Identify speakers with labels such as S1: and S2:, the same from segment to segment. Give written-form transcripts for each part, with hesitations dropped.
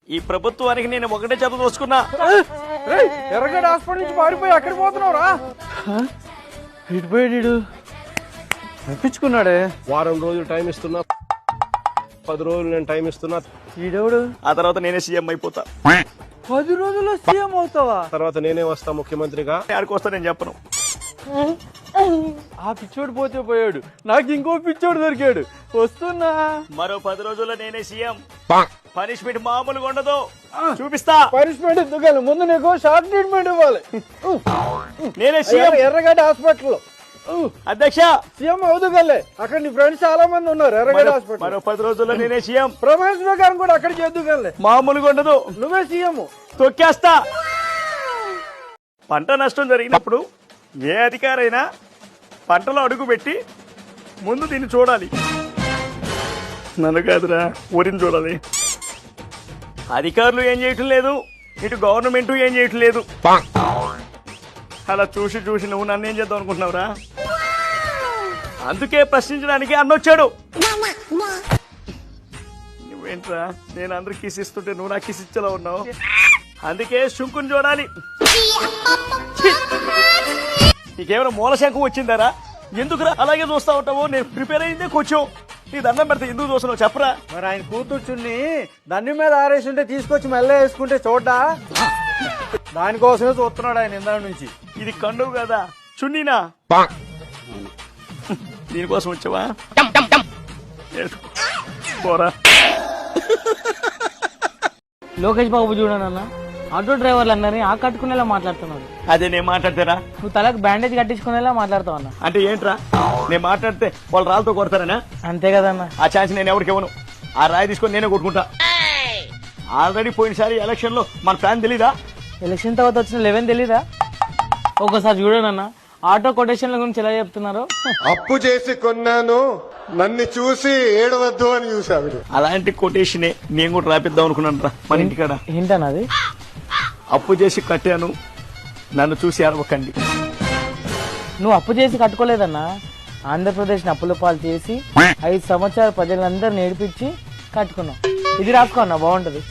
S1: ఈ ప్రభుత్వానికి నేను ఒకటే చదువుకున్నా.
S2: ఎర్రగడ్డ హాస్పిటల్ నుంచి పారిపోయి అక్కడికి పోతున్నావురా? ఇటుపోయాడు, తప్పించుకున్నాడే.
S3: వారం రోజులు టైం ఇస్తున్నా, 10 రోజులు నేను టైం ఇస్తున్నా.
S2: ఈడెవడు?
S1: ఆ తర్వాత నేనే సీఎం అయిపోతా.
S2: 10 రోజుల్లో సీఎం అవుతావా?
S3: తర్వాత నేనే వస్తా ముఖ్యమంత్రిగా.
S1: ఆడికి వస్తా నేను చెప్పను.
S2: ఆ పిచ్చోడు పోతే పోయాడు, నాకు ఇంకో పిచ్చోడు దొరికాడు. వస్తున్నా.
S1: మరో 10 రోజుల్లో నేనే సీఎం. పనిష్మెంట్ మామూలుగా ఉండదు, చూపిస్తా.
S2: పనిష్మెంట్ ఎందుకు? ముందు నీకు షార్ట్ ట్రీట్మెంట్ ఇవ్వాలి.
S1: నేనే సీఎం
S2: ఎర్రగడ్డ హాస్పిటల్
S1: అధ్యక్ష.
S2: సీఎం అవుదుగలే. అక్కడ నీ ఫ్రెండ్స్ చాలా మంది ఉన్నారు ఎర్రగడ్డ హాస్పిటల్.
S1: మరో 10 రోజుల్లో నేనే సీఎం.
S2: ప్రమాణ స్వీకారం కూడా అక్కడ చేద్దుగలే.
S1: మామూలుగా ఉండదు,
S2: నువ్వే సీఎం.
S1: తొక్కేస్తా. పంట నష్టం జరిగినప్పుడు ఏ అధికారైనా పంటలో అడుగు పెట్టి ముందు దీన్ని చూడాలి. నన్ను కాదురా, ఊరిని చూడాలి. అధికారులు ఏం చేయటం లేదు, ఇటు గవర్నమెంట్ ఏం చేయటం లేదు. అలా చూసి చూసి నువ్వు నన్ను ఏం చేద్దాం అనుకుంటున్నావురా? అందుకే ప్రశ్నించడానికి అన్నొచ్చాడు. నువ్వేంట్రా, నేను అందరికి కిస్ ఇస్తుంటే నువ్వు నాకు కిస్ ఇచ్చేలా ఉన్నావు. అందుకే శంకుని చూడాలి. నీకేమైనా మూలశంఖం వచ్చిందారా? ఎందుకురా అలాగే చూస్తా ఉంటావు? నేను ప్రిపేర్ అయిందే కొంచెం. నీ దండం పెడితే ఎందుకు చూస్తున్నావు చెప్పరా?
S2: మరి ఆయన కూతుర్చుని దాని మీద ఆరేసి ఉంటే తీసుకొచ్చి మెల్ల వేసుకుంటే చూడ్డా? దానికోసమే చూస్తున్నాడు ఆయన ఇందా నుంచి.
S1: ఇది కండువు కదా, చున్నీనా? దీనికోసం వచ్చావా? పోరా.
S4: లోకేష్ బాబు చూడనన్నా, ఆటో డ్రైవర్లు అందరినీ ఆ కట్టుకునేలా మాట్లాడుతున్నాడు.
S1: అదే నేను మాట్లాడతారా?
S4: నువ్వు తలకు బ్యాండేజ్ కట్టించుకునేలా మాట్లాడతావు అన్న.
S1: అంటే ఏంట్రా, నేను మాట్లాడితే వాళ్ళు రాళ్ళతో కొడతారనా?
S4: అంతే కదన్నా.
S1: ఆ ఛాన్స్ నేను ఎవరికి ఇవ్వను. ఆ రాయి తీసుకొని నేనే కొట్టుకుంటా. ఆల్రెడీ పోయినసారి ఎలక్షన్ లో మన ప్లాన్ తెలీదా?
S4: ఎలక్షన్ తర్వాత వచ్చిన 11 తెలీదా? ఒకసారి చూడనన్నా, ఆటో కొటేషన్ల గురించి ఎలా చెప్తున్నారు.
S5: అప్పు చేసి కొన్నాను, నన్ను చూసి ఏడవద్దు అని చూసావి.
S1: అలాంటి కొటేషనే నేను కూడా రాపిద్దాం అనుకున్నాను రా మన ఇంటికాడ.
S4: ఏంటన్నది?
S1: అప్పు చేసి కట్టాను, నన్ను చూసి అరవకండి.
S4: నువ్వు అప్పు చేసి కట్టుకోలేదన్నా, ఆంధ్రప్రదేశ్ అప్పుల పాలు చేసి 5 సంవత్సరాల ప్రజలందరూ నేర్పించి కట్టుకున్నావు. ఇది రాసుకోన్నా, బాగుంటది.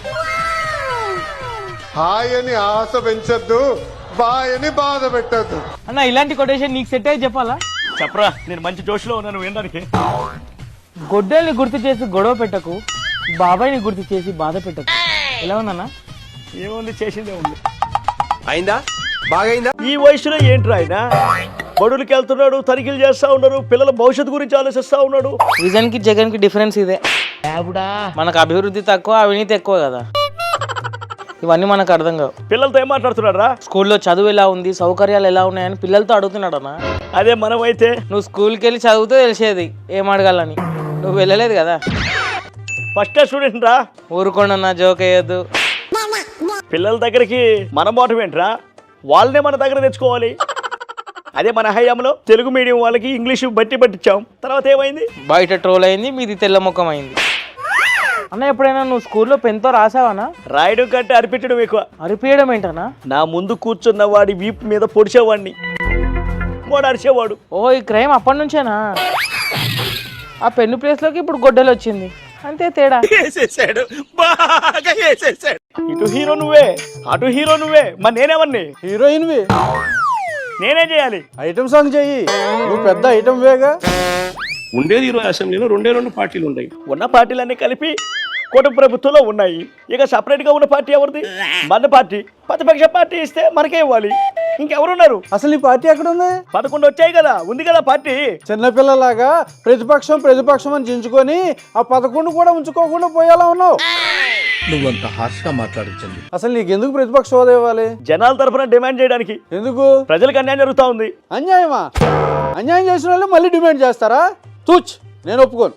S5: హాయని ఆశ పెంచొద్దు, బాయని బాధ పెట్టద్దు.
S4: అన్న ఇలాంటి కొటేషన్ నీకు సెట్ అయ్యి చెప్పాలా?
S1: చెప్పరా, నేను మంచి జోష్లో ఉన్నాను వినడానికి.
S4: గొడ్డల్ని గుర్తు చేసి గొడవ పెట్టకు, బాబాయ్ని గుర్తు చేసి బాధ పెట్టకు. ఎలా ఉందన్నా?
S1: ఏముంది, చేసిందే ఉంది.
S3: అయిందా? బాగైందా?
S1: ఈ వయసులో ఏంట్రా ఆయన బడులకి వెళ్తున్నాడు, తనిఖీలు చేస్తా ఉన్నారు, పిల్లల భవిష్యత్తు గురించి ఆలోచిస్తా ఉన్నాడు.
S4: విజన్ కి జగన్ కి డిఫరెన్స్ ఇదే. మనకు అభివృద్ధి తక్కువ, అవినీతి ఎక్కువ కదా. ఇవన్నీ మనకు అర్థం కావు.
S1: పిల్లలతో ఏం మాట్లాడుతున్నాడు రా?
S4: స్కూల్లో చదువు ఎలా ఉంది, సౌకర్యాలు ఎలా ఉన్నాయని పిల్లలతో అడుగుతున్నాడు అన్న.
S1: అదే మనం అయితే
S4: నువ్వు స్కూల్కి వెళ్ళి చదివితే తెలిసేది ఏం అడగాలని. నువ్వు వెళ్ళలేదు కదా.
S1: ఫస్ట్ క్లాస్ స్టూడెంట్ రా.
S4: ఊరుకోండన్నా, జోక్ వేయద్దు.
S1: పిల్లల దగ్గరికి మన మోటం ఏంట్రా, వాళ్ళనే మన దగ్గర తెచ్చుకోవాలి. అదే మన హయాంలో తెలుగు మీడియం వాళ్ళకి ఇంగ్లీష్ బట్టి పట్టించాం. తర్వాత ఏమైంది?
S4: బయట ట్రోల్ అయింది, మీది తెల్ల ముఖం అయింది. అన్న ఎప్పుడైనా నువ్వు స్కూల్లో పెన్తో రాసావానా?
S1: రాయడం కంటే అరిపించడం ఎక్కువ.
S4: అరిపేయడం ఏంటన్నా?
S1: నా ముందు కూర్చున్న వాడి వీపు మీద పొడిచేవాడిని, వాడు అరిచేవాడు.
S4: ఓ, ఈ క్రైమ్ అప్పటి నుంచేనా? ఆ పెన్ను ప్లేస్ లోకి ఇప్పుడు గొడ్డలు వచ్చింది, అంతే తేడా.
S1: వేసేసాడు, బాగా వేసేసాడు. ఇటు హీరో నువ్వే, అటు హీరో నువ్వే, మరి నేనేమన్ని?
S2: హీరోయిన్ వి
S1: నేనేం చేయాలి?
S2: ఐటమ్ సాంగ్ చెయ్యి. నువ్వు పెద్ద ఐటమ్ వేగా.
S3: ఉండేది ఈరోజు అసెంబ్లీలో 2 పార్టీలు ఉన్నాయి.
S1: ఉన్న పార్టీలన్నీ కలిపి కూటమి ప్రభుత్వంలో ఉన్నాయి. ఇక సపరేట్ గా ఉన్న పార్టీ ఎవరిది? మన పార్టీ. ప్రతిపక్ష పార్టీ ఇస్తే మనకే ఇవ్వాలి, ఇంకెవరున్నారు?
S2: అసలు ఈ పార్టీ ఎక్కడ ఉంది?
S1: 11 వచ్చాయి కదా, ఉంది కదా పార్టీ.
S2: చిన్నపిల్లలాగా ప్రతిపక్షం అని చించుకొని ఆ 11 కూడా ఉంచుకోకుండా పోయేలా ఉన్నావు.
S6: నువ్వంత హార్ష్గా మాట్లాడించండి.
S2: అసలు నీకెందుకు ప్రతిపక్ష హోదా ఇవ్వాలి?
S1: జనాల తరఫున డిమాండ్ చేయడానికి.
S2: ఎందుకు?
S1: ప్రజలకు అన్యాయం జరుగుతా ఉంది.
S2: అన్యాయమా? అన్యాయం చేసిన వాళ్ళు మళ్ళీ డిమాండ్ చేస్తారా? తూచ్, నేను ఒప్పుకోను.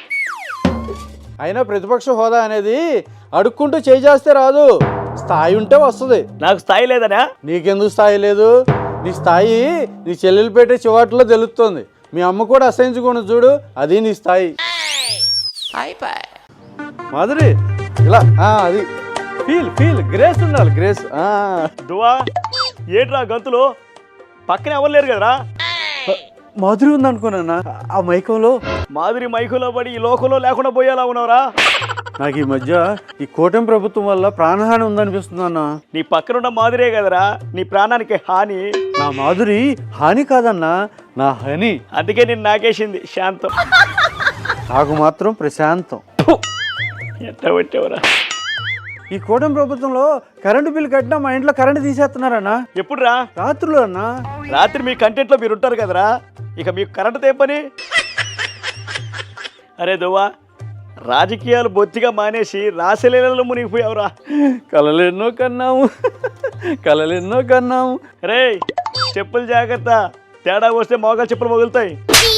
S2: అయినా ప్రతిపక్ష హోదా అనేది అడుక్కుంటూ చేస్తే రాదు, స్థాయి ఉంటే వస్తుంది.
S1: నాకు స్థాయి లేదనా?
S2: నీకెందుకు స్థాయి లేదు? నీ స్థాయి నీ చెల్లెలు పెట్టే చివాట్లో తెలుస్తుంది. మీ అమ్మ కూడా అసహించుకుని చూడు, అది నీ స్థాయి. మాధురి ఇలా అది ఫీల్ గ్రేస్ ఉండాలి, గ్రేస్.
S1: దువా ఏంట్రా గంతులు? పక్కనే ఎవరు లేరు కదరా?
S2: మాధురి ఉంది అనుకున్నా ఆ మైకంలో.
S1: మాధురి మైకులో పడి ఈ లోకంలో లేకుండా పోయేలా ఉన్నావురా.
S2: నాకు ఈ మధ్య ఈ కూటమి ప్రభుత్వం వల్ల ప్రాణహాని ఉందనిపిస్తుంది అన్న.
S1: నీ పక్కనున్న మాదిరే కదరా నీ ప్రాణానికి హాని.
S2: నా మాధురి హాని కాదన్నా, నా హని.
S1: అందుకే నేను నాకేసింది శాంతం.
S2: నాకు మాత్రం ప్రశాంతం.
S1: ఎట్లా పెట్టేవరా?
S2: ఈ కూటమి ప్రభుత్వంలో కరెంటు బిల్లు కట్టినా మా ఇంట్లో కరెంటు తీసేస్తున్నారన్నా.
S1: ఎప్పుడురా?
S2: రాత్రులు అన్నా.
S1: రాత్రి మీ కంటెంట్లో మీరు ఉంటారు కదరా, ఇక మీకు కరెంటు తెప్పని. అరే దువ్వా, రాజకీయాలు బొత్తిగా మానేసి రాసలీలలో మునిగిపోయావురా.
S2: కలలెన్నో కన్నాము, కలలెన్నో కన్నాము.
S1: రే చెప్పులు జాగ్రత్త, తేడా వస్తే మోకాలు చెప్పులు మొగులుతాయి.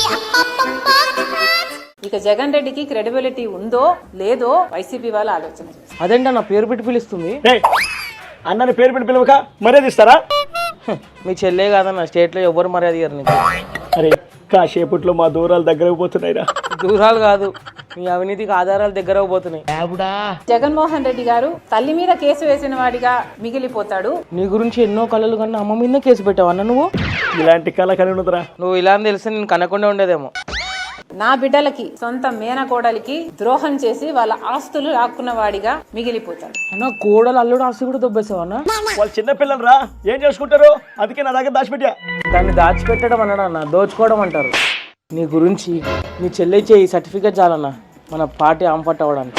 S7: ఇక జగన్ రెడ్డికి క్రెడిబిలిటీ ఉందో లేదో వైసీపీ వాళ్ళు ఆలోచన చేస్తారు.
S4: అదేంటా నా పేరు పెట్టి పిలుస్తుంది?
S1: రే అన్నని పేరు పెట్టి పిలవక మర్యాద ఇస్తారా?
S4: మీ చెల్లే కాదన్న, స్టేట్లో ఎవరు మర్యాద ఇయ్యరు నీకు.
S1: అరే కాసేపట్లో మా దూరాలు దగ్గరకు పోతున్నాయిరా.
S4: దూరాలు కాదు, మీ అవినీతికి ఆధారాలు దగ్గర పోతున్నాయి.
S7: జగన్మోహన్ రెడ్డి గారు తల్లి మీద కేసు వేసిన వాడిగా మిగిలిపోతాడు.
S4: నీ గురించి ఎన్నో కళలు కన్నా అమ్మ మీద కేసు పెట్టావు అన్న నువ్వు.
S1: ఇలాంటి కళ కలిగి ఉన్నదిరా.
S4: నువ్వు ఇలా అని తెలిస్తే నేను కనకుండా ఉండేదేమో.
S7: నా బిడ్డలకి సొంత మేనకోడలికి ద్రోహం చేసి వాళ్ళ ఆస్తులు లాక్కున్న వాడిగా మిగిలిపోతాడు.
S4: అన్న కోడలు అల్లుడు ఆస్తి కూడా దొబ్బేసావు అన్న.
S1: వాళ్ళు చిన్నపిల్లలు రా, ఏం చేసుకుంటారు? అందుకే నా దగ్గర దాచిపెట్టా.
S4: దాన్ని దాచిపెట్టడం అన్నాడు అన్న, దోచుకోవడం అంటారు. నీ గురించి నీ చెల్లెచ్చే ఈ సర్టిఫికేట్ చాలన్న మన పార్టీ ఆంపట్ అవ్వడానికి.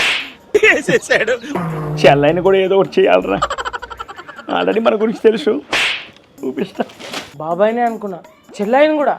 S1: చెల్లైని కూడా ఏదో ఒకటి చేయాలరా. ఆల్రెడీ మన గురించి తెలుసు, చూపిస్తా.
S4: బాబాయ్నే అనుకున్నా, చెల్లెని కూడా.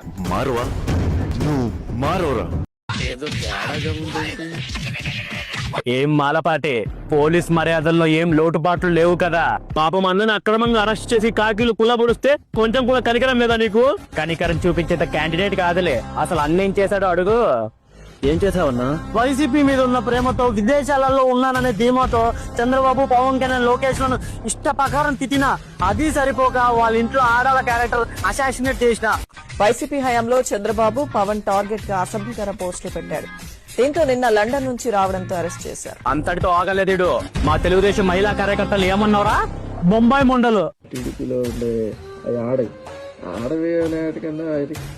S8: ఏం మాలపాటే, పోలీస్ మర్యాదల్లో ఏం లోటుపాట్లు లేవు కదా? పాపం అందరిని అక్రమంగా అరెస్ట్ చేసి కాకీలు కుల్లబొడిస్తే కొంచెం కూడా కనికరం లేదా నీకు? కనికరం చూపించేంత క్యాండిడేట్ కాదులే. అసలు అన్నేం చేశాడో అడుగు. ఏం చేసావన్నా? వైసీపీ మీద ఉన్న ప్రేమతో, విదేశాలలో ఉన్నాననే ధీమాతో చంద్రబాబు, పవన్ కళ్యాణ్, లోకేష్ లను ఇష్ట ప్రకారం తిట్టినా అది సరిపోక వాళ్ళ ఇంట్లో ఆడాల క్యారెక్టర్ అసాసినేట్ చేసిన.
S9: వైసీపీ హయాంలో చంద్రబాబు, పవన్ టార్గెట్ గా అసభ్యకర పోస్టులు పెట్టాడు. దీంతో నిన్న లండన్ నుంచి రావడంతో అరెస్ట్ చేశారు.
S8: అంతటితో ఆగలేదేడు. మా తెలుగుదేశం మహిళా కార్యకర్తలు ఏమన్నారా? బొంబాయి ముండలు
S3: టీడీపీలో ఉండే ఆడవి అనేటికన్నా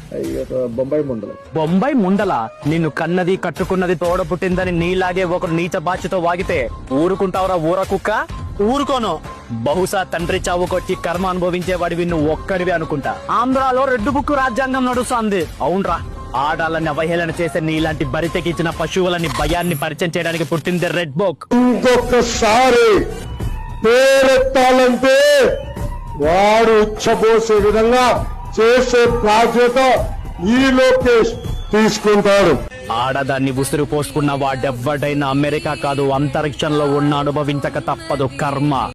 S8: బొంబాయి ముండల నిన్ను కన్నది కట్టుకున్నది తోడ పుట్టిందని నీలాగే ఒకరు నీచ బాధ్యతో వాగితే ఊరుకుంటావురా ఊర కుక్క? ఊరుకోను. బహుశా తండ్రి చావుకొచ్చి కర్మ అనుభవించేవాడివి నువ్వు ఒక్కడివి అనుకుంటా. ఆంధ్రాలో రెడ్ బుక్ రాజ్యాంగం నడుస్తుంది. అవునరా, ఆడాలని అవహేళన చేసే నీలాంటి బరితెకిచ్చిన పశువులని భయాన్ని పరిచయం చేయడానికి పుట్టింది రెడ్ బుక్.
S5: ఇంకొకసారి పేరెత్తాలంటే వాడు ఉచ్చబోసే విధంగా చేసే బాధ్యత ఈ లోకేష్ తీసుకుంటాడు.
S8: ఆడదాన్ని ఉసురు పోసుకున్న వాడెవ్వడైనా అమెరికా కాదు అంతరిక్షంలో ఉన్న అనుభవించక తప్పదు కర్మ.